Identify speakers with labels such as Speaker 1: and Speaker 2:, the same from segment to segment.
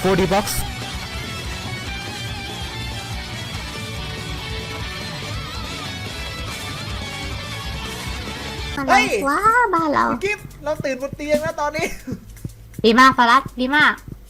Speaker 1: 4D Box
Speaker 2: เฮ้ย
Speaker 3: ว้าบ้านเรา
Speaker 2: คุณกิฟต์เราตื่นบนเตียงแล้วตอนนี้
Speaker 3: ดีมากฟารัสดีมาก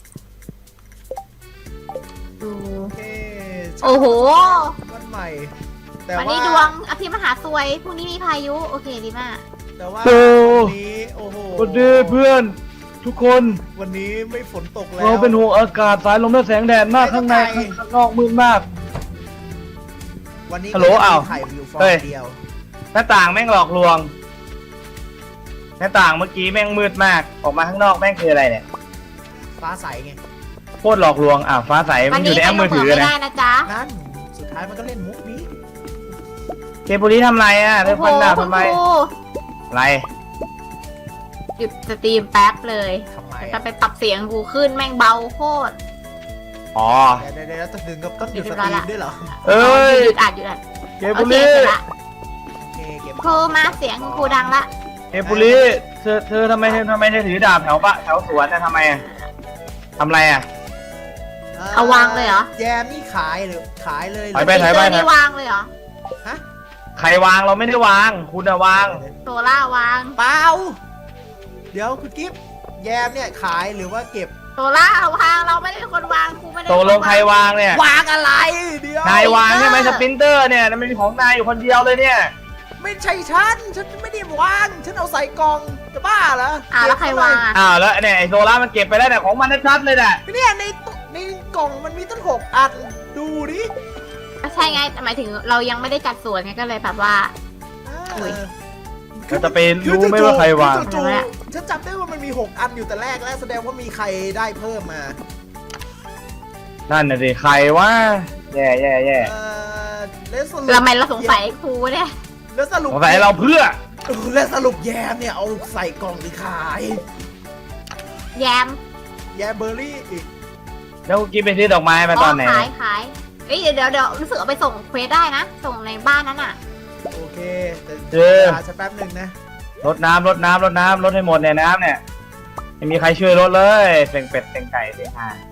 Speaker 3: ดู โอ้โห
Speaker 2: วันใหม่ แต่
Speaker 3: วัน
Speaker 2: ว่า
Speaker 3: นี้ดวงอภิมหาซวยพรุ่งนี้มีพายุโอเคดีมาก
Speaker 2: แต่ว่า
Speaker 4: โอ้
Speaker 2: วันนี้โอ้โห
Speaker 4: สวัสดีเพื่อนทุกคน
Speaker 2: วันนี้ไม่ฝนตกแล้ว
Speaker 4: เราเป็นห่วงอากาศสายลมและแสงแดดมากข้างในข้างนอกมืดมาก
Speaker 2: วันนี้
Speaker 4: ฮัลโหลอ้าว
Speaker 2: ถ่ายวิวฟอ
Speaker 4: เฮ้ย
Speaker 2: ร์เดียว
Speaker 4: หน้าต่างแม่งหลอกลวงหน้าต่างเมื่อกี้แม่งมืดมากออกมาข้างนอกแม่งคืออะไรเนี่ย
Speaker 2: ฟ้าใสไง
Speaker 4: โคตรหลอกลวงฟ้าใส
Speaker 3: วั
Speaker 4: มัน นอ
Speaker 3: นี้
Speaker 4: ยู่ในแอปมือถือ
Speaker 3: ไม่
Speaker 4: นะ
Speaker 3: ได้นะจ๊ะ
Speaker 2: นั่นสุดท้ายมันก็เล่นมุกนี้
Speaker 4: เกปุริทำไรเธ
Speaker 3: โอ้
Speaker 4: อ
Speaker 3: โห
Speaker 4: ฟันดาบ
Speaker 3: คุณ
Speaker 4: ทำไม
Speaker 3: ครู
Speaker 4: อะไร
Speaker 3: หยุดสตรีมแป๊บเลย
Speaker 2: ทำไม
Speaker 3: จะไปปรับเสียงกูขึ้นแม่งเบาโคตร
Speaker 4: อ๋อ
Speaker 2: เดี๋ยวต้องดึงกับต้องหยุดสตรีมด้วยเหรอ
Speaker 4: เอ้ย
Speaker 3: หยุดอัดหยุดอัด
Speaker 4: เก
Speaker 3: โอ
Speaker 4: ปุ
Speaker 3: เค
Speaker 4: ริ
Speaker 3: เสร็จละ
Speaker 2: โอเคเก็บ
Speaker 3: ครูมาเสียงครูดังละ
Speaker 4: เกปุริเธอทำไมเธอถือดาบแถวสวนทำไมทำไร
Speaker 3: เอาวางเลยเหรอ
Speaker 2: แยมนี่ขายหรือขายเลย
Speaker 4: ถอยไป
Speaker 3: สติ๊กเกอร์นี่วางเลยเหรอ
Speaker 2: ฮะ
Speaker 4: ใครวางเราไม่ได้วาง คุณวาง
Speaker 3: โซล่าวาง
Speaker 2: เปล่าเดี๋ยวคุณกิฟต์แยมเนี่ยขายหรือว่าเก็บ
Speaker 3: โซล่าวางเราไม่ได้เป็นคนวางครูไม่ได้
Speaker 4: ตกลงใครวางเนี่ย
Speaker 2: วางอะไรเดี๋ยว
Speaker 4: นายวางใช่ไหมสปรินเตอร์เนี่ยมันเป็นของนายอยู่คนเดียวเลยเนี่ย
Speaker 2: ไม่ใช่ฉันไม่ได้วางฉันเอาใส่กล่องจะบ้าเหรอ
Speaker 3: แล้วใครวางอ่ะ
Speaker 4: แล้วเนี่ยไอโซล่ามันเก็บไปแล้วเนี่ยของมันชัดๆเลยแหละ
Speaker 2: เนี่ยในกล่องมันมีตั้ง6 อันดูดิ
Speaker 3: ก็ใช่ไงแต่หมายถึงเรายังไม่ได้จัดสวนไงก็เลยแบบว่า อุ๊ย
Speaker 4: เราจะไปรู้ไหมว่าใครวาง
Speaker 2: จู่ๆฉันจำได้ว่ามันมี6 อันอยู่แต่แรกแล้วแสดงว่ามีใครได้เพิ่มมา
Speaker 4: นั่นน่ะสิใครวะแย่
Speaker 2: แล้วสรุป
Speaker 3: เราไม่เราสงสัยครูเนี่ย
Speaker 2: แล้วสรุป
Speaker 4: สงสัยเราเพื่อ
Speaker 2: แล้วสรุปแยมเนี่ยเอาใส่กล่องหรือขาย
Speaker 3: แยม
Speaker 2: แยมเบอร์รี่อีก
Speaker 4: แล้วกินไปซื้อดอกไม้มาตอนไหน
Speaker 3: ขายเอ้ยเดี๋ยวรู้สึกเอาไปส่งเควสได้นะ ส่งในบ้านนั้นอ่ะ
Speaker 2: โอเคแต่
Speaker 4: เออ
Speaker 2: รอฉันแป๊บหนึ่งนะ
Speaker 4: รดน้ำรดให้หมดเนี่ยน้ำเนี่ยไม่มีใครช่วยรดเลยเสียงเป็ดเสียงไก่เสียงห่าน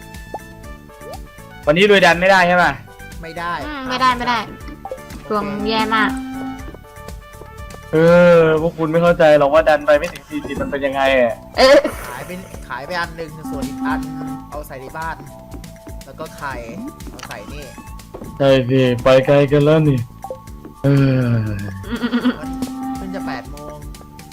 Speaker 4: วันนี้ลุยดันไม่ได้ใช่ป่ะ
Speaker 2: ไม่ได้
Speaker 3: ไม่ได้ดวงแย่มาก
Speaker 4: พวกคุณไม่เข้าใจหรอกว่าดันไปไม่ถึง40มันเป็นยังไงอ่ะ
Speaker 2: ขายไปอันหนึ่งส่วนอีกอันเอาใส่ในบ้าน แล้วก็ไข่เอาใส่นี่
Speaker 4: ใช่สิไปไกลกันแล้วนี่
Speaker 2: มันเพิ่งจะ8 โมง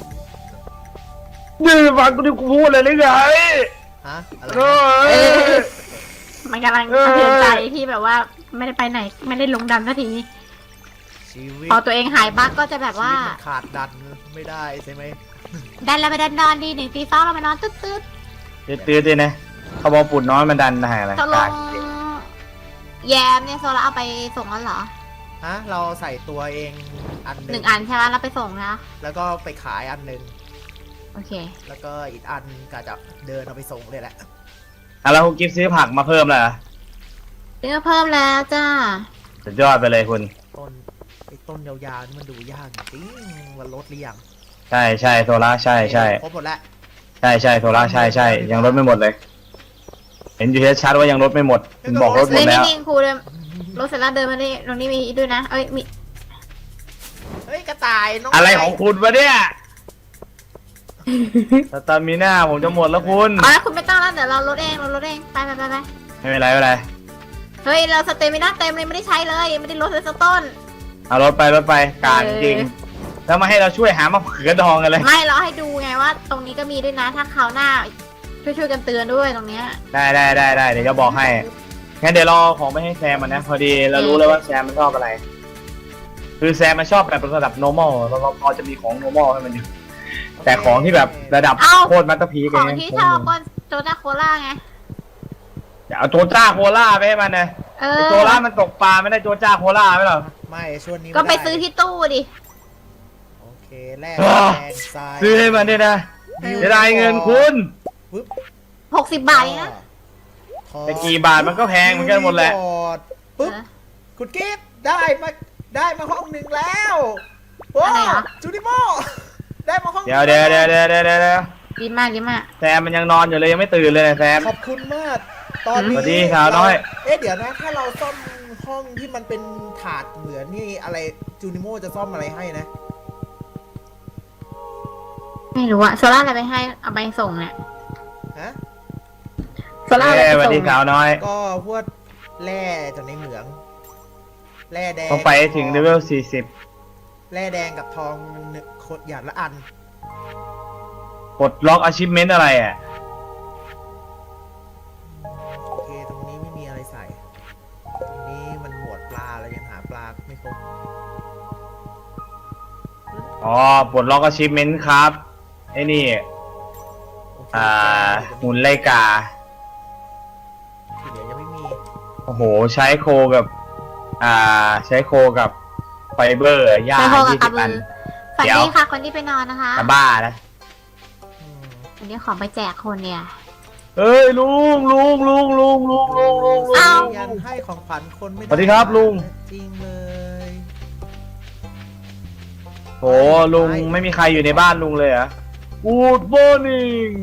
Speaker 4: นี่ฟังกูที่กูพูดเลยหรือไง
Speaker 2: ฮะอะไร
Speaker 4: เอ
Speaker 2: นะ
Speaker 4: อ
Speaker 3: มันกำลังสะเทือนใจที่แบบว่าไม่ได้ไปไหนไม่ได้ลงดันสักที
Speaker 2: ชีวิต
Speaker 3: พอตัวเองหายบั๊กก็จะแบบว่า
Speaker 2: ชีวิตมันขาดดันไม่ได้ใช่ไหม
Speaker 3: ดันเราไปดันนอนดี1 ตี 2เราไปนอนตืด
Speaker 4: ตื้อๆนะเขาบอกปุ่นน้อยมันดันหายอะไร
Speaker 3: ตกลงแยมเนี่ยโซล่าเอาไปส่งแล้วเหรอ
Speaker 2: ฮะเราใส่ตัวเองอันห
Speaker 3: ห
Speaker 2: นึ่
Speaker 3: นึ่
Speaker 2: ง
Speaker 3: งอันใช่ไหมเราไปส่งนะ
Speaker 2: แล้วก็ไปขายอันหนึ่ง
Speaker 3: โอเค
Speaker 2: แล้วก็อีกอันกะจะเดินเอาไปส่งเลยแหละ
Speaker 4: แล้วคุณกิฟต์ซื้อผักมาเพิ่มแล้วเหรอ
Speaker 3: เนื้อเพิ่มแล้วจ้า
Speaker 4: สุดยอดไปเลยคุณ
Speaker 2: ไอ้ต้นยาวๆนี่มันดูยากจริงมันลดหรือยัง
Speaker 4: ใช่โซล่าใช่
Speaker 2: ครบหมดแล้ว
Speaker 4: ใช่โซล่าใช่ยังลดไม่หมดเลย เห็นอยู่ชัดๆว่ายังลดไม่หมดคุณบอกลดหม
Speaker 3: เล่
Speaker 4: ด
Speaker 3: น
Speaker 4: แล้ว
Speaker 3: นิ่งๆครูเดินรถเสร็จแล้วเดินมาดิตรงนี้มีด้วยนะเอ้ยมี
Speaker 2: เฮ้ยกระต่ายน้อง
Speaker 4: อะไรของคุณวะเนี่ยสตามิน่าผมจะหมดแล้วคุณ
Speaker 3: อ๋อแล้วคุณไม่ต้องแล้วเดี๋ยวเราลดเองไป
Speaker 4: ไม่เป็นไร
Speaker 3: เฮ้ยเราสเตมิน่าเต็มเลยไม่ได้ใช้เลยไม่ได้ลดเลยสักต้น
Speaker 4: เอารถไปกลางจริงแล้วมาให้เราช่วยหามะเขือดองกันเลย
Speaker 3: ไม่เราให้ดูไงว่า ตรงนี้ก็มีด้วยนะถ้าคราวหน้าช่วยกันเตือนด้วยตรงเนี้ย
Speaker 4: ได้เดี๋ยวจะบอกให้งั้นเดี๋ยวรอของไปให้แซมมันนะพอดีเรารู้แล้วว่าแซมมันชอบอะไร คือแซมมันชอบแบบระดับ normal เราพอจะมีของ normal ให้มันอยู่แต่ของที่แบบระดับโคตรมัตเตอร์พี
Speaker 3: ของที่ชอบก็โจนาโคล่าไง
Speaker 4: อย่าเอาโจจ้าโคล่าไปให้มันนะโจล่ามันตกปลาไม่ได้โจจ้าโคล่าไม่หรอ
Speaker 2: ไม่ช่วงนี้
Speaker 3: ก็ไปซื้อที่ตู้ดิ
Speaker 2: โอเคแลก
Speaker 4: อ้าว
Speaker 2: แทนทราย
Speaker 4: ซื้อให้มันด้วยนะจะได้เงินคุณ
Speaker 3: 60 บาทเองนะ
Speaker 4: แต่กี่บาทมันก็แพงเหมือนกันหมดแหละ
Speaker 2: ปุ๊บคุณกิฟต์ได้มาห้องหนึ่งแล้วโอ้
Speaker 3: อะไรเหรอ
Speaker 2: จูดิโมได้มาห้อง
Speaker 4: เดี๋ยว
Speaker 3: ดีมาก
Speaker 4: แซมมันยังนอนอยู่เลยยังไม่ตื่นเลยนะแซม
Speaker 2: ขอบคุณมากตอนนี้
Speaker 4: สวัสดีสาวน้อย
Speaker 2: เดี๋ยวนะถ้าเราซ่อมห้องที่มันเป็นถาดเหมือนนี่อะไรจูนิโมจะซ่อมอะไรให้นะ
Speaker 3: ไม่รู้อะโซล่าอะไรไปให้เอาไปส่งเนี่ย
Speaker 2: ฮะ
Speaker 3: โซล่าอะไร
Speaker 4: ส
Speaker 3: ไป
Speaker 4: วัส
Speaker 3: ส่
Speaker 4: ดี
Speaker 3: ง
Speaker 4: สาวน้อย
Speaker 2: ก็พวกแร่จากในเหมืองแร่แดง
Speaker 4: ต้องไปให้ถึงเลเวล
Speaker 2: แร่แดงกับทองหนึ่งขวดอย่างละอัน
Speaker 4: 40ปลดล็อก achievement อะไรอ่ะ
Speaker 2: โอเคตรงนี้ไม่มีอะไรใส่ ตรงนี้มันหมวดปลาเรายังหาปลาไม่ครบ
Speaker 4: อ๋อปลดล็อก achievement ครับ ไอ้นี่
Speaker 2: โอเค
Speaker 4: หุ่นไล่กา
Speaker 2: ที่เหลือยังไม่มี
Speaker 4: โอ้โห ใช้โคกับ ใช้โคกับไฟเบอร์ย่า
Speaker 3: ไปโทรกับกระ
Speaker 4: 20
Speaker 3: บื
Speaker 4: อัน
Speaker 3: อฝัน
Speaker 4: เดี๋ยว
Speaker 3: ดีค่ะคนที่ไปนอนนะคะ
Speaker 4: จะบ้านะ
Speaker 2: อืม
Speaker 3: วันนี้ของไปแจกคนเนี่ย
Speaker 4: เฮ้ยลุง
Speaker 3: อ้าว
Speaker 2: ยันให้ของขวัญคนไม่ได้
Speaker 4: สวัสดีครับลุง
Speaker 2: จริงเลย
Speaker 4: โหลุงไม่มีใครอยู่ในบ้านลุงเลยเหรอ Good morning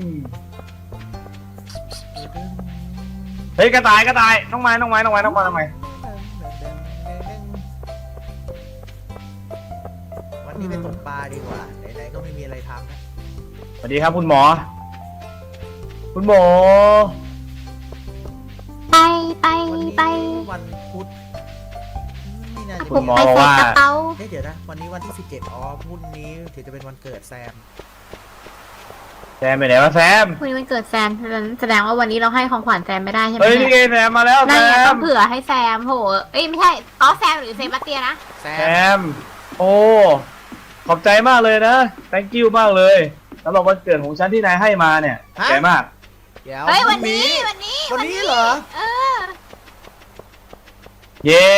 Speaker 4: เฮ้ยกระต่ายน้องไม้
Speaker 2: วันนี้ไปตกปลาดีกว่าไหนๆก็ไม่มีอะไรทำนะ
Speaker 4: สวัสดีครับคุณหมอ คุณหมอ
Speaker 3: ไป
Speaker 2: วันนี้
Speaker 3: ไป
Speaker 2: วันพุธไม่น่าจะ
Speaker 4: คุณหมอ
Speaker 3: ไป
Speaker 4: บอก
Speaker 3: ใส่
Speaker 4: ว่า
Speaker 3: กระเป๋า
Speaker 2: เดี๋ยวนะวันนี้วันที่17พรุ่งนี้ถือจะเป็นวันเกิดแซม
Speaker 4: แซมไปไหนวะแซม
Speaker 3: วันนี้วันเกิดแซมแสดงว่าวันนี้เราให้ของขวัญแซมไม่ได้ใช่ไหม
Speaker 4: เฮ้ย
Speaker 3: เนี่
Speaker 4: นี่ไงแซมมาแล้วแซ
Speaker 3: นั่นไงต้อ
Speaker 4: ม
Speaker 3: งเผื่อให้แซมโหเอ้ยไม่ใช่อ๋อแซมหรือเซบาสเตียนนะ
Speaker 2: แซ
Speaker 4: แซ
Speaker 2: ม
Speaker 4: ม โอ้ ขอบใจมากเลยนะ thank you มากเลยสำหรับวันเกิดของฉันที่นายให้มาเนี่ยขอบใจมาก
Speaker 2: เดี๋ยว
Speaker 3: เฮ้ย
Speaker 2: พ
Speaker 3: วั
Speaker 2: รุ่
Speaker 3: น
Speaker 2: ง
Speaker 3: นี้
Speaker 2: วันนี้เหรอ
Speaker 3: เออ
Speaker 4: เย้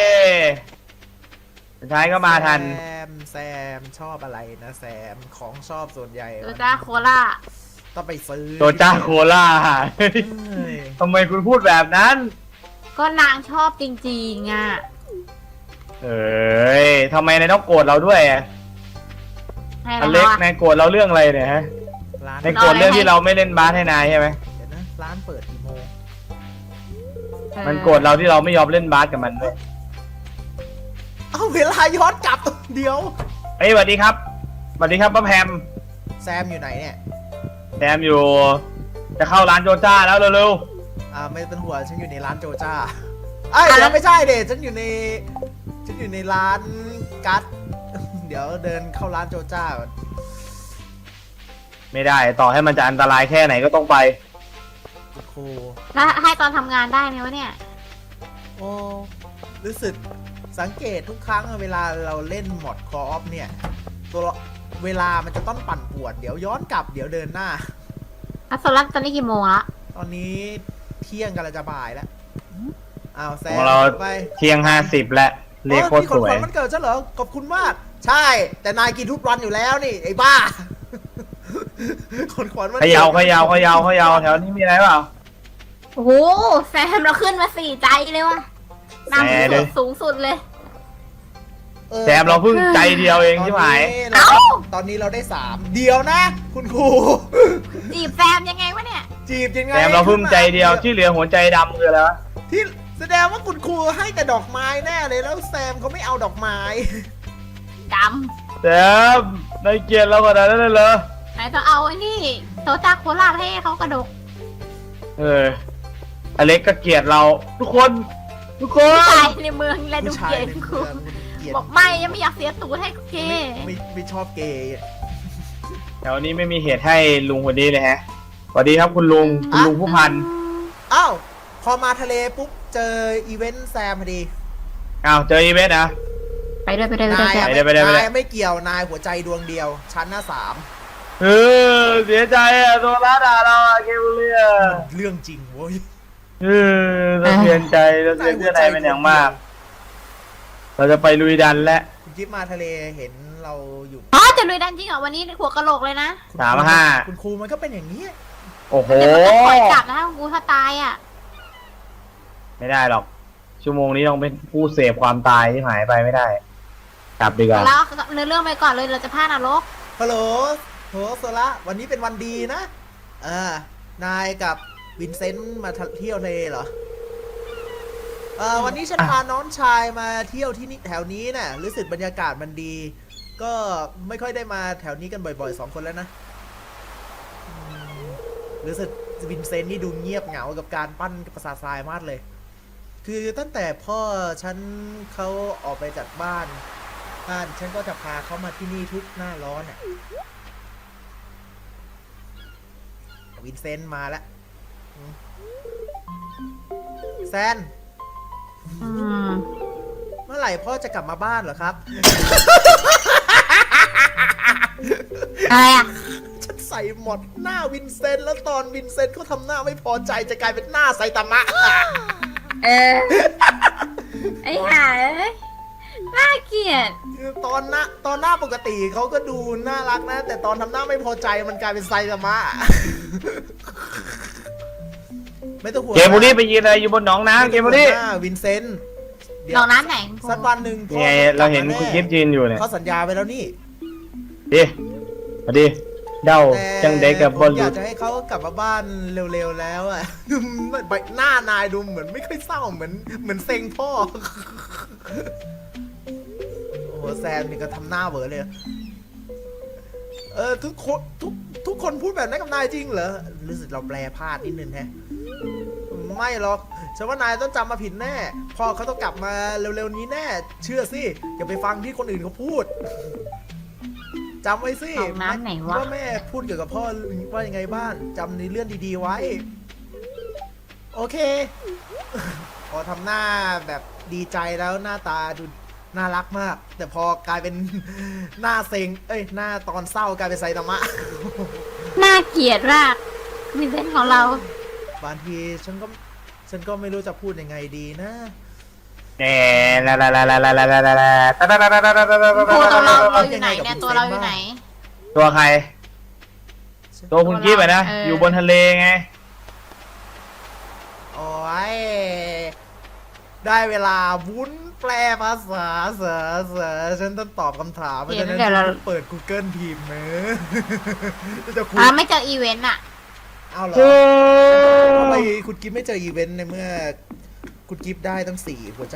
Speaker 4: สุดท้ายก็มาทัน
Speaker 2: แซมชอบอะไรนะแซมของชอบส่วนใหญ่
Speaker 3: โซจ้าโคล่า
Speaker 2: ต้องไปซื้อ
Speaker 4: โจจ้าโคล่า
Speaker 2: เฮ้ย
Speaker 4: ทำไมคุณพูดแบบนั้น
Speaker 3: ก็นางชอบจริงๆอ่ะ
Speaker 4: เอ้ยทำไมนายต้องโกรธเราด้วยอะ
Speaker 3: ให้
Speaker 4: อ
Speaker 3: เรา
Speaker 4: เล็ก
Speaker 3: อะ
Speaker 4: นายโกรธเราเรื่องอะไรเนี่ยฮะ
Speaker 2: ร้าน
Speaker 4: นายโกรธเรื่องที่เราไม่เล่นบาสให้นายใช่ไหม
Speaker 2: เดี๋ยวนะร้านเปิดกี่โมง
Speaker 4: มันโกรธเราที่เราไม่ยอมเล่นบาสกับมันด้วย
Speaker 2: เอาเวลาย้อนกลับเดี๋ยว
Speaker 4: เฮ้ยสวัสดีครับสวัสดีครับป้าแพม
Speaker 2: แซมอยู่ไหนเนี่ย
Speaker 4: แซมอยู่ จะเข้าร้านโจจ้าแล้วเร็ว
Speaker 2: ไม่เป็นหัวฉันอยู่ในร้านโจจ้าเอ้ยเดี๋ยวไม่ใช่เดชฉันอยู่ในร้านกัสเดี๋ยวเดินเข้าร้านโจจ้าก่อน
Speaker 4: ๆไม่ได้ต่อให้มันจะอันตรายแค่ไหนก็ต้องไป
Speaker 2: คุณครู
Speaker 3: แล้วให้ตอนทำงานได้ไหมวะเนี่ย
Speaker 2: โอ้รู้สึกสังเกตทุกครั้งเวลาเราเล่นมอดคออฟเนี่ยตัวเวลามันจะต้องปั่นป่วนเดี๋ยวย้อนกลับเดี๋ยวเดินหน้า
Speaker 3: อ่ะโซล่าตอนนี้กี่โมงละ
Speaker 2: ตอนนี้เที่ยงกันละจะบ่ายแล้วอ้าวแซ
Speaker 4: ข
Speaker 2: ม
Speaker 4: องเรา
Speaker 2: ไป
Speaker 4: เที่ยง50แล้วเลขโคตร
Speaker 2: นี่
Speaker 4: ส
Speaker 2: ของ
Speaker 4: ว
Speaker 2: ข
Speaker 4: ย
Speaker 2: วัญมันเกิดฉันเหรอขอบคุณมาก ใช่ แต่นายกินทุกวันอยู่แล้วนี่ไอ้บ้า ของขวัญมัน
Speaker 4: เขยาวแถวนี้มีอะไรเปล่า
Speaker 3: โอ้โหแซมเราขึ้นมา4 ใจเลยว่ะนำ
Speaker 4: แหม
Speaker 3: สูงสุดเลย
Speaker 2: ออ
Speaker 4: แซมเราเพิ่งใจเดียวเองใช่ไหม
Speaker 3: เอ้า
Speaker 2: ตอนนี้เราได้3เดียวนะ คุณครู
Speaker 3: จีบแซมยังไงวะเนี่ย
Speaker 2: จีบยังไง
Speaker 4: แซมเราเพิ่งใจเดียวที่เหลือหัวใจดำคืออะไรวะ
Speaker 2: ที่แสดงว่าคุณครูให้แต่ดอกไม้แน่เลยแล้วแซมเขาไม่เอาดอกไม้
Speaker 3: ด
Speaker 4: แซมนายเกลียดเราขนาดนั้นเลยเหรอ
Speaker 3: ำไหนต้องเอาไอ้นี่โซจ้าโคล่าให้เขากระดก
Speaker 4: อเล็กก็เกลียดเราทุกคน
Speaker 3: ผู้ชายในเมืองและดู
Speaker 2: ผู้ชาย
Speaker 3: เกย์
Speaker 2: ใน
Speaker 3: กู
Speaker 2: เมืองเกลียด
Speaker 3: บอกไม่ยังไม่อยากเสียตูดให้เกย์
Speaker 2: ไม่ชอบเกย์
Speaker 4: แถวนี้ไม่มีเหตุให้ลุงคนนี้เลยฮะสวัสดีครับคุณลุงผู้พัน
Speaker 2: อ้าวพอมาทะเลปุ๊บเจออีเวนต์แซมพอดี
Speaker 4: อ้าวเจออีเวนต์นะ
Speaker 3: ไปด้วย
Speaker 2: นาย
Speaker 4: ไปเลย
Speaker 2: นายไม่เกี่ยวนายหัวใจดวงเดียวชั้นหน้า3
Speaker 4: เสียใจอ่ะโซล่าด่าเราอ่ะเกมเลีย
Speaker 2: เรื่องจริงเว้ย
Speaker 4: สะเทือนใจสะเทือนเพื่อนนายเป็นอย่างมาก เราจะไปลุยดันและ
Speaker 2: คุณจิ๊บมาทะเลเห็นเราอยู่
Speaker 3: อ๋อจะลุยดันจริงเหรอวันนี้หัวกะโหลกเลยนะ
Speaker 2: คุณครู
Speaker 4: 35
Speaker 2: คุณครูมันก็เป็นอย่างนี้
Speaker 4: โอ้โห
Speaker 3: เดี๋ยวมันจะปล่อยกลับนะกูถ้าตายอ่ะ
Speaker 4: ไม่ได้หรอก ชั่วโมงนี้ต้องเป็นผู้เสพความตายที่หายไปไม่ได้ กลับดีกว่า
Speaker 3: แล้วเนื้อเรื่องไปก่อนเลยเราจะพลาดนรก
Speaker 2: ฮัลโหลโหโซละวันนี้เป็นวันดีนะนายกับวินเซนต์มาเที่ยวทะเลเหรอวันนี้ฉันพาน้องชายมาเที่ยวที่นี่แถวนี้น่ะรู้สึกบรรยากาศมันดี ก็ไม่ค่อยได้มาแถวนี้กันบ่อยๆ2 คนแล้วนะรู้สึกวินเซนต์นี่ดูเงียบเหงากับการปั้นปราสาททรายมากเลย คือตั้งแต่พ่อฉันเขาออกไปจากบ้านฉันก็จะพาเขามาที่นี่ทุกหน้าร้อนอ่ะวินเซนต์มาแล้วแซน เมื่อไหร่พ่อจะกลับมาบ้านเหรอครับ
Speaker 3: อะไรอ่ะ
Speaker 2: ฉันใส่หมดหน้าวินเซนต์แล้วตอนวินเซนต์เขาทำหน้าไม่พอใจจะกลายเป็นหน้าไซตามะ
Speaker 3: ไอ้ห่าเอ้ยน่าเกลียด
Speaker 2: ตอนหน้าปกติเขาก็ดูน่ารักนะ แต่ตอนทำหน้าไม่พอใจมันกลายเป็นไซตามะ ไม่ต้องห่วง
Speaker 4: เกมบุรีไปยืนอะไรอยู่บนหนองน้ำเกมบุรี
Speaker 2: วินเซนต์เดี๋
Speaker 3: ห
Speaker 2: ย
Speaker 3: น
Speaker 2: ว
Speaker 3: องน้ำไหน
Speaker 2: สักวันหนึ่ง
Speaker 4: นี่ไงเราเห็นคุณกิฟต์ยืนอยู่เนี่ย
Speaker 2: เขาสัญญาไปแล้วนี่
Speaker 4: ดิมาดิเดาจังเด็กกับบอล
Speaker 2: อ
Speaker 4: ลู
Speaker 2: ยากจะให้เขากลับมาบ้านเร็วๆแล้วอ่ะ หน้านายดูเหมือนไม่ค่อยเศร้าเหมือนเซ็งพ่อ โอ้โหแซมนี่ก็ทำหน้าเวอเลยทุกคนพูดแบบนั้นกับนายจริงเหรอรู้สึกเราแปลพลาดนิดนึงแฮะไม่หรอกฉันว่านายต้องจำมาผิดแน่พ่อเขาต้องกลับมาเร็วๆนี้แน่ เชื่อสิอย่าไปฟังที่คนอื่นเขาพูดจำไว้สิ
Speaker 3: หนองน้ำไหนวะ
Speaker 2: ว่าแม่พูดเกี่ยวกับพ่อว่ายังไงบ้างจำในเรื่องดีๆไว้ โอเค พอทำหน้าแบบดีใจแล้วหน้าตาดูน่ารักมาก แต่พอกลายเป็น หน้าเซ็งหน้าตอนเศร้ากลายเป็นไซตามะ
Speaker 3: น่าเกลียดมากวินเซนต์ของเรา
Speaker 2: บางทีฉันก็ไม่รู้จะพูดยังไงดีนะ
Speaker 4: แน่ละละละละละละละละละ
Speaker 3: ครูตัวเราอยู่ไหนเนี่ยตัวเราอยู่ไหน
Speaker 4: ตัวใคร ตัวคุณกิฟต์อะนะ อยู่บนทะเลไง
Speaker 2: โอ้ยได้เวลาวุ้นแปลภาษาเสือฉันต้องตอบคำถามเพราะฉะนั้นเปิด Google พิมพ์นะจะคุย
Speaker 3: ไม่เจออีเวนต์อ่ะ
Speaker 2: เอาเหรอทำไมคุณกิฟไม่เจออีเวนต์ในเมื่อ คุณกิฟได้ตั้ง4 หัวใจ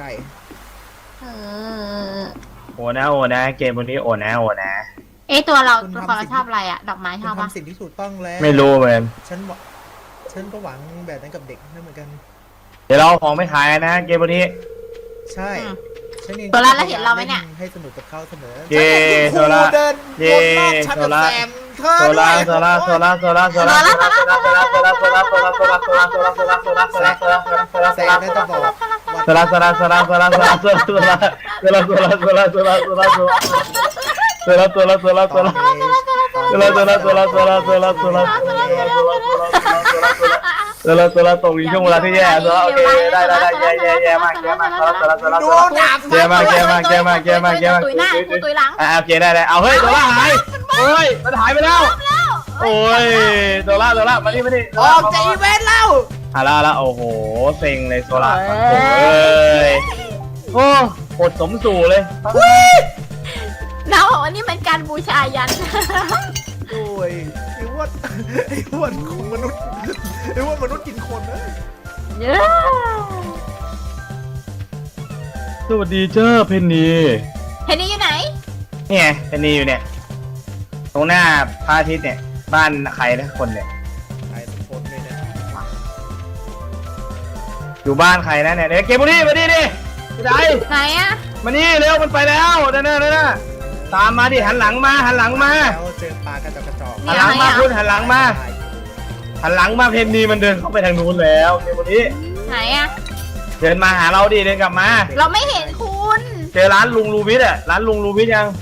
Speaker 4: โอ้นะเกมบนนี้โอ้นะ
Speaker 3: ตัวเราชอบอะไรอ่ะ ดอกไม้ช
Speaker 2: คุณ
Speaker 3: อบปะ
Speaker 2: ทำสิ่งที่ถูกต้องแล้ว
Speaker 4: ไม่รู้เหมือน
Speaker 2: ฉันก็หวังแบบนั้นกับเด็กนั่นเหมือนกัน
Speaker 4: เดี๋ยวเราของไม่ขายนะเกมบนนี้
Speaker 2: ใช่ฉันเอง
Speaker 3: ตัวเราแล้วเห็นเราไหมเนี่ย
Speaker 2: ให้สนุกกับเขาเสมอ
Speaker 4: เย้
Speaker 2: ฉันเห็นคุณครูเดินวนรอบชั้นกับแซมเธอด้วย
Speaker 4: โซล่า
Speaker 2: แซมน่าจะบอกว่า
Speaker 4: เราตกอยู่ช่วงเวลาที่แย่โซล่าโอเคได้แย่มาก
Speaker 2: ดูดาบ
Speaker 4: แย่มาก
Speaker 3: ตุยหน้ากูตุยหลัง
Speaker 4: โอเคได้เอาเฮ้ยโซล่าหายเฮ้ยมันหายไปแล้วโอ้ยโซล่ามานี่
Speaker 2: ออกจากอีเวนต์แล้ว
Speaker 4: ละโอ้โหเซ็งเลยโซล่าโอ้ยโอ้ปวดสมสู่เลย
Speaker 3: เราบอกว่านี่เป็นการบูชายัน
Speaker 2: โอ้ยไอ้อ้วนของมนุษย์ไอ้อ้วนมนุษย์กินคนนะ
Speaker 3: เยอะ
Speaker 4: สวัสดีเจ้าเพนนี
Speaker 3: เห็นนี่อยู่ไหน
Speaker 4: นี่ไงเพนนีอยู่เนี่ยตรงหน้าพระอาทิตย์เนี่ยบ้านใครนะคนเนี่ย
Speaker 2: ไอ้สมพลเลยนะ
Speaker 4: อยู่บ้านใครนะเนี่ยเดี๋ยวเกมบุรีมาดิดิไหน
Speaker 3: ไหนอ่ะ
Speaker 4: มานี่เร็วมันไปแล้วนั่นตามมาดิหันหลังมา
Speaker 2: แล้วเจอปลากระจอก
Speaker 4: หันหลังมาคุณหันหลังมาเพนนีมันเดินเข้าไปทางนู้นแล้วเกมบุรี
Speaker 3: ไหนอ่ะ
Speaker 4: เดินมาหาเราดิเดินกลับมา
Speaker 3: เราไม่เห็นคุณ
Speaker 4: เจอร้านลุงลูวิทย์อ่ะร้านลุงลูวิทย์ยัง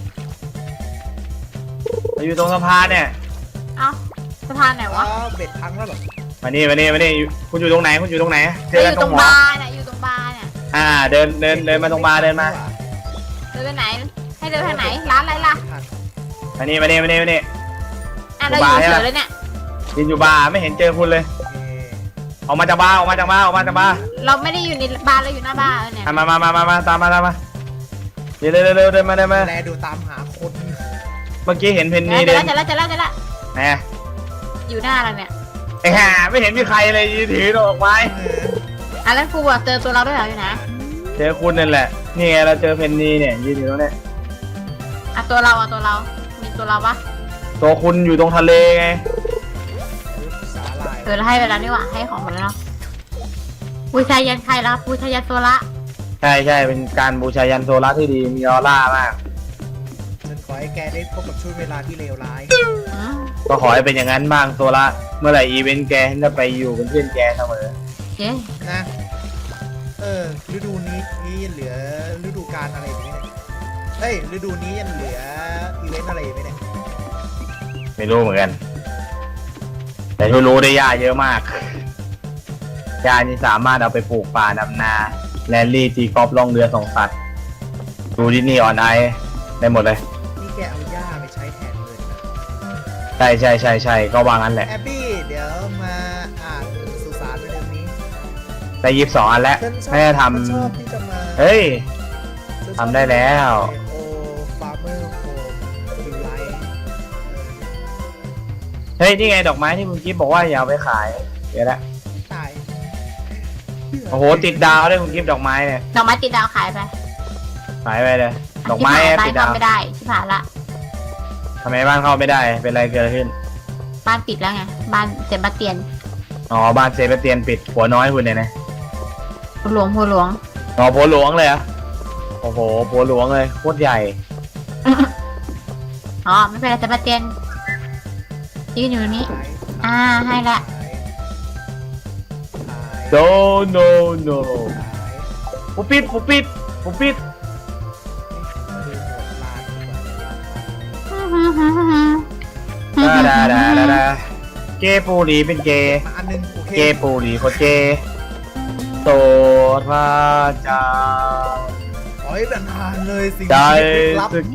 Speaker 4: อยู่ตรงสะพานเนี่ย
Speaker 3: เอ้าสะพานไหนวะ
Speaker 2: เบ็ดพังแล้วเหรอ
Speaker 4: มานี่คุณอยู่ตรงไหนเจ
Speaker 3: เรา
Speaker 4: อ
Speaker 3: อ
Speaker 4: กัน
Speaker 3: ยู่
Speaker 4: ต
Speaker 3: ต
Speaker 4: ร
Speaker 3: รง ง
Speaker 4: หัว
Speaker 3: บาร์น่ะอยู่ตรงบาร์เนี่ย
Speaker 4: เดินมาตรงบาร์เดินมา
Speaker 3: เดินไปไหน ให้เดินทางไหน ร้านอะไรล่ะ
Speaker 4: มานี่
Speaker 3: เราอยู่เฉยเลยเนี่ย
Speaker 4: ยืนอยู่บาร์ไม่เห็นเจอคุณเลยออกมาจากบาร์
Speaker 3: เราไม่ได้อยู่ในบาร์เราอยู่หน้าบาร์เนี่ย
Speaker 4: มาตามมาเร็วเดินมา
Speaker 2: แลดูตามหาคน
Speaker 4: เมื่อกี้เห็นเพนนี
Speaker 3: เจ
Speaker 4: เดิ
Speaker 3: อน แล้ว
Speaker 4: ไหน
Speaker 3: อยู่หน้าเราเนี่ย
Speaker 4: ไอ้ห่าไม่เห็นมีใครเลยยืนถือดอกไม้
Speaker 3: อ่ะแล้วครูบอกเจอตัวเราด้วยเหรออยู่นะ
Speaker 4: เจอคุณนั่นแหละนี่ไงเราเจอเพนนีเนี่ยยืนอยู่ตรงเนี้ย
Speaker 3: อ่ะตัวเรามีตัวเราปะ
Speaker 4: ตัวคุณอยู่ตรงทะเลไง
Speaker 2: สาหร่าย
Speaker 3: เราให้ไปแล้วนี่หว่าให้ของหมดแล้วเนาะบูชายันใครแล้วบูชายันตัวละ
Speaker 4: ใช่ใช่เป็นการบูชายันโซล่าที่ดีมีออร่ามาก
Speaker 2: ฉันขอให้แกได้พบกับช่วงเวลาที่เลวร้าย
Speaker 3: อืม
Speaker 4: ก็ขอให้เป็นอย่างนั้นบ้างโซล่าเมื่อไหร่อีเวนต์แกฉันจะไปอยู่เป็นเพื่อนแกเสมอ
Speaker 3: เย้
Speaker 2: นะฤดูนี้ยังเหลือฤดูกาลอะไรอย่างเงี้ยเฮ้ยฤดูนี้ยังเหลืออีเวนต์อะไรไหมเนี่ย
Speaker 4: ไม่รู้เหมือนกัน แต่ที่รู้ได้หญ้าเยอะมากหญ้านี่สามารถเอาไปปลูกป่าดำนาแรลลี่ตีกอล์ฟล่องเรือส่งสัตว์ดูดิสนีย์ออนไอได้หมดเลย
Speaker 2: นี่แกเอาหญ้าไปใช้แทนเลยนะ
Speaker 4: ใช่ใช่ใช่ใช่ก็วางงั้นแหละ
Speaker 2: แอบบี้เดี๋ยวมาอ่านสุสานในเรื่องนี้
Speaker 4: ได้22 อันแล้ว
Speaker 2: ฉันชอบ
Speaker 4: แม่ท
Speaker 2: ฉันชอบที่จะมา
Speaker 4: ำเฮ้ย
Speaker 2: ฉันชอบ
Speaker 4: ทำได้แล้ว
Speaker 2: โอฟาร์เมอร์โฮมคิวไลท์
Speaker 4: เฮ้ย นี่ไงดอกไม้ที่คุณกิฟบอกว่าอย่าเอาไปขาย เดี๋ยวละ
Speaker 2: ตาย
Speaker 4: โอ้โห ติดดาวด้วยคุณกิฟดอกไม้เนี่ย
Speaker 3: ดอกไม้ติดดาวขายไป
Speaker 4: ขายไปเลย ดอกไม้
Speaker 3: ที่ผ่าน
Speaker 4: ติดดาว
Speaker 3: ไม่ได้ที่ผ่านละ
Speaker 4: ทำไมบ้านเข้าไม่ได้ เป็นไรเกิดอะไรขึ้น
Speaker 3: บ้านปิดแล้วไงบ้านเซบาสเตียน
Speaker 4: อ๋อ บ้านเซบาสเตียนปิดหัวน้อยคุณเนี่ยนะ
Speaker 3: หัวหลวง
Speaker 4: อ๋อผัวหลวงเลยเหรอะโอ้โหผัวหลวงเลยโคตรใหญ่
Speaker 3: อ๋อไม่เป็นไรเซบาสเตียนยืนอยู่นี่ ให้ละ
Speaker 4: no no no ปุ๊บปิดปุ๊บปิดปุ๊บปิดดาดาดาดาดาเกย์ปูรีเป็นเกย์
Speaker 2: มาอันนึงโอเค
Speaker 4: เกย์ปูรีโคตรเกย์โสดพระเจ้า
Speaker 2: ขอให้เป็นทานเลยสิ่ง
Speaker 4: ใจ
Speaker 2: ที่ลึกลับ
Speaker 4: สกี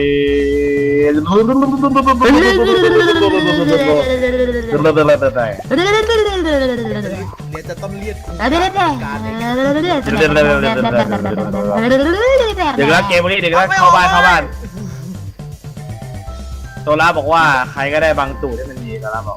Speaker 2: เดี๋ยวจะต้องเรียกครู
Speaker 3: เดี๋ยว
Speaker 2: การเลย
Speaker 4: ดึกแล้วเกมนี้ดึกแล้วเข้าบ้านเข้าบ้านโซล่าบอกว่าใครก็ได้บางตูดให้มันดีโซล่าบอก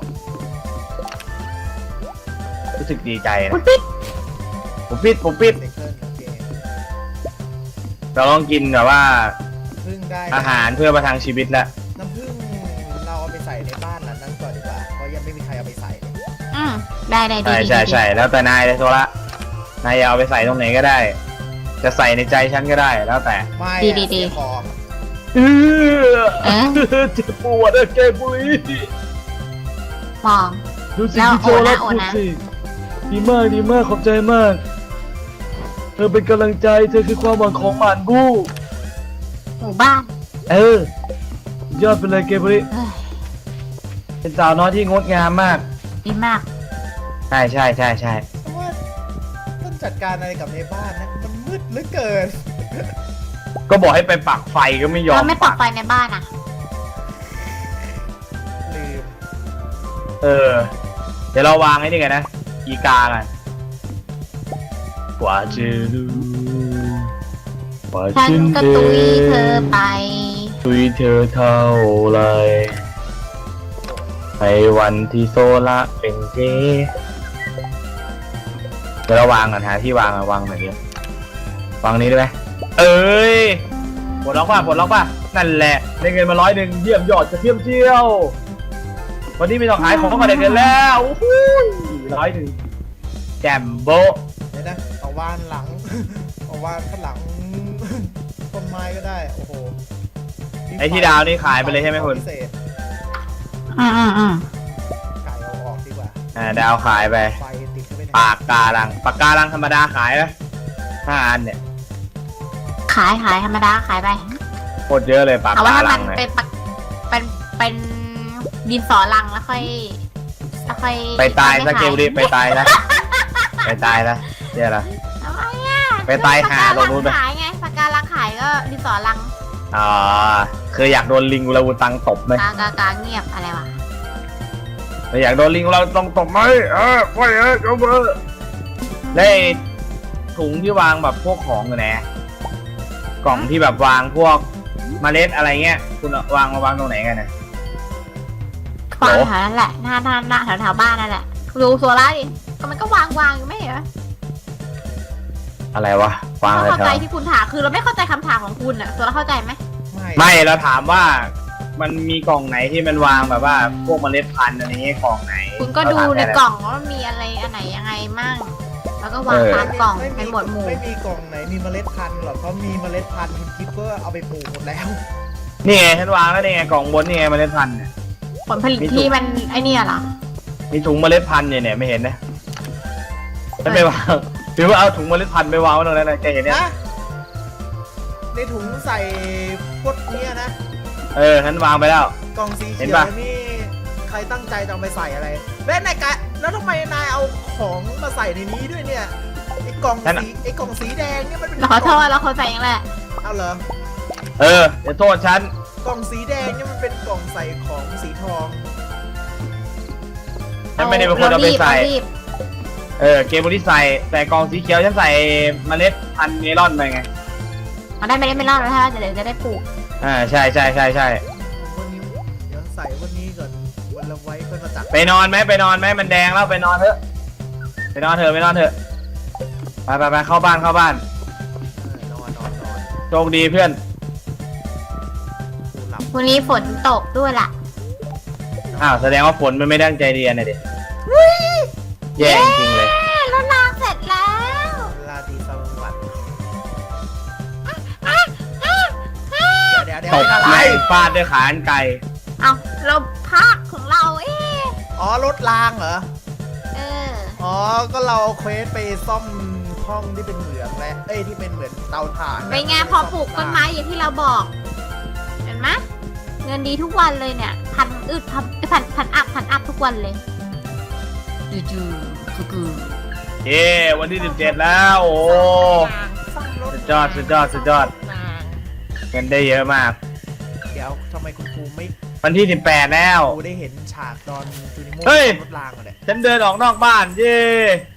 Speaker 4: รู้สึกดีใจนะผมปิด
Speaker 2: เด็กเกินโอเค
Speaker 4: เราต้องกินแบบว่า
Speaker 2: พึ่งได้
Speaker 4: อาหารเพื่อประทังชีวิตแล้ว
Speaker 2: น้ำผึ้งเราเอาไปใส่ในบ้านหลังนั้นก่อนดีกว่าเพราะยังไม่มีใครเอาไปใส่เลย
Speaker 3: ได้ดี
Speaker 4: ใช่แล้วแต่นายเลยโซล่านายเอาไปใส่ตรงไหนก็ได้ จะใส่ในใจฉันก็ได้แล้วแต่
Speaker 2: ไม่เสียของ
Speaker 4: เจ็บปวดอะเกมบุรี
Speaker 3: มอง
Speaker 4: ดูสิที่โซล่าพูดสิดีมากขอบใจมากเธอเป็นกำลังใจเธอคือความหวังของหมานบู้
Speaker 3: หมู่บ้าน
Speaker 4: ยอดไปเลยเกมบุรีเป็นสาวน้อยที่งดงามมาก
Speaker 3: ดีมาก
Speaker 4: ใช่
Speaker 2: เพราะว่าต้นจัดการอะไรกับในบ้านนะมันมืดเหลือเกิน
Speaker 4: ก็บอกให้ไปปักไฟก็ไม่ยอม
Speaker 3: เราไม่ปักไฟในบ้านอ่ะ
Speaker 2: ลืม
Speaker 4: เดี๋ยวเราวางไอ้นี่กันนะอีกากันกว่าจะรู้ว่า
Speaker 3: ฉันก็ตุยเธอไป
Speaker 4: ตุยเธอเท่าไรในวันที่โซล่าเป็นเกย์เดี๋ยวเราวางกันหาที่วางอะวางแบบนี้วางนี้ได้ไหมเอ้ยปลดล็อกป่ะนั่นแหละได้เงินมา100เยี่ยมยอดจะเที่ยมเที่ยววันนี้ไม่ต้องขายของก็ได้เงินแล้ว100แจมโบ
Speaker 2: เดี๋ยวนะเอาวานหลัง เอาวานข้างหลัง ต้นไม้ก็ได้โอ้โห
Speaker 4: ไอ้ที่ดาวนี่ขายไปเลยใช่ไหมคุณ
Speaker 2: พิเศษ
Speaker 3: อืม
Speaker 2: ไก่เอาออกดีกว่า
Speaker 4: ดาวขายไป
Speaker 2: ไฟติดเข้าไปใน
Speaker 4: ปากการังธรรมดาขายไหม5 อันเนี่ย
Speaker 3: ขายธรรมดาขายไป
Speaker 4: โคตรเยอะเลยปาก
Speaker 3: เอาว่า
Speaker 4: การั
Speaker 3: ถ้าง มัน
Speaker 4: เนี่ย
Speaker 3: เป็นดินสอลังแล้วค่อย
Speaker 4: ไปตายซะเกมรีบไปตายนะไปตายนะเนี่ยละ
Speaker 3: ทำไมอ่ะ
Speaker 4: ไปตายหาตรงนู้นไป
Speaker 3: ขายไงปากการังขายก็ดินสอลัง
Speaker 4: อ๋อคืออยากโดนลิงอุลาวูตังตบไหม
Speaker 3: กาเงียบอะไรวะ
Speaker 4: อยากโดนลิงอุลาวูตังตบไหมไม่จบได้ถุงที่วางแบบพวกของอยู่ไหนกล่องที่แบบวางพวกเมล็ดอะไรเงี้ยคุณวางตรงไหนกันนะ
Speaker 3: วางแถวนั้นแหละหน้าแถวบ้านนั่นแหละดูโซล่าดิก็มันก็วางอยู่ไม่เหรอ
Speaker 4: อะไรวะฟัง
Speaker 3: เรา
Speaker 4: เลย
Speaker 3: เข้า
Speaker 4: เถ
Speaker 3: ใจ
Speaker 4: อะ
Speaker 3: ที่คุณถามคือเราไม่เข้าใจคำถามของคุณอะโซล่าเข้าใจไหม
Speaker 4: ไม่เราถามว่ามันมีกล่องไหนที่มันวางแบบว่าพวกเมล็ดพันธุ์อะไรเงี้ยกล่องไหน
Speaker 3: คุณก็ดูในกล่องว่ามีอะไรอันไหนยังไงมั่งแล้วก็วางตามกล่องเป็นหมวดหมู่
Speaker 2: ไม่มีกล่องไหนมีเมล็ดพันธุ์หรอกเพราะมีเมล็ดพันธุ์คุณคิดก็เอาไปปลูกหมดแล้ว
Speaker 4: นี่ไงฉันวางแล้วนี่ไงกล่องบนนี่ไงเมล็ดพันธุ์เนี่ย
Speaker 3: ผลผลิตที่มันไอเนี่ยเหรอ
Speaker 4: มีถุงเมล็ดพันธุ์เนี่ยไม่เห็นนะฉันไปวางหรือว่าเอาถุงเมล็ดพันธุ์ไปวางไว้ตรงนั้นนะแกเห็นเนี่ย
Speaker 2: นะในถุงใส่พวกเนี้ยนะ
Speaker 4: ฉันวางไปแล้ว
Speaker 2: กล่องสีเขี
Speaker 4: เห็
Speaker 2: ย
Speaker 4: น
Speaker 2: ว
Speaker 4: ปะ
Speaker 2: นี่ใครตั้งใจจะเอาไปใส่อะไรแล้วนายกะแล้วทำไมนายเอาของมาใส่ในนี้ด้วยเนี่ยไอ้กล่องสีแดงเนี่ยมันเป็น
Speaker 3: เราขอโทษเราเข้าใจยังแหละ
Speaker 2: เอาเหรอ
Speaker 4: เดี๋ยวโทษฉัน
Speaker 2: กล่องสีแดงเนี่ยมันเป็นกล่องใส่ของสีทอง
Speaker 4: ฉันไม่ได้เป็นคนเอาไปใส่
Speaker 3: รีบ
Speaker 4: เกมบริใส่แต่กล่องสีเขียวฉันใส่เมล็ดพันธุ์เมลอนไปไง
Speaker 3: เอาได้ไม่เล่าแล้วถ้าเดี๋ยวจะได้ปลูก
Speaker 4: ใช่
Speaker 2: วันนี้เดี๋ยวใส่วันนี้ก่อนวันละไว้ก็จะจัด
Speaker 4: ไปนอนไหมมันแดงแล้วไปนอนเถอะไปนอนเถอะไปเข้าบ้าน
Speaker 2: นอน
Speaker 4: โชคดีเพื่อน
Speaker 2: กูหลับ
Speaker 3: วันนี้ฝนตกด้วยล่ะ
Speaker 4: แสดงว่าฝนมันไม่ตั้งใจเรียนนะเด็กแย่จริงเลย
Speaker 3: รถรางเสร็จแล้ว
Speaker 2: ลาตรีสวัสดิ์เดี๋ยว
Speaker 4: ตบ
Speaker 2: อะไร
Speaker 4: ไหล่ฟาดด้วยขาอันไกล
Speaker 3: เอาเราภาคของเรา
Speaker 2: อ๋อรถรางเหรอ
Speaker 3: เออ
Speaker 2: อ๋อ ก็เราเอาเควสไปซ่อมห้องที่เป็นเหมืองและที่เป็นเหมือนเตาถ่าน
Speaker 3: เป็นไงพอปลูกต้นไม้อย่างที่เราบอก เห็นไหมเงินดีทุกวันเลยเนี่ยพันอัพทุกวันเลยจู่ๆคือ
Speaker 4: เย้วันที่17แล้วโอ้
Speaker 2: ซ่อมรถ
Speaker 4: สุดยอดเงินได้เยอะมาก
Speaker 2: เดี๋ยวทำไมคุณครูไม่
Speaker 4: วันที่18แล้ว
Speaker 2: ครูได้เห็นฉากตอนจูนิโม่
Speaker 4: เฮ้ย
Speaker 2: รถรางเหรอเนี่ย
Speaker 4: ฉันเดินออกนอกบ้านเย้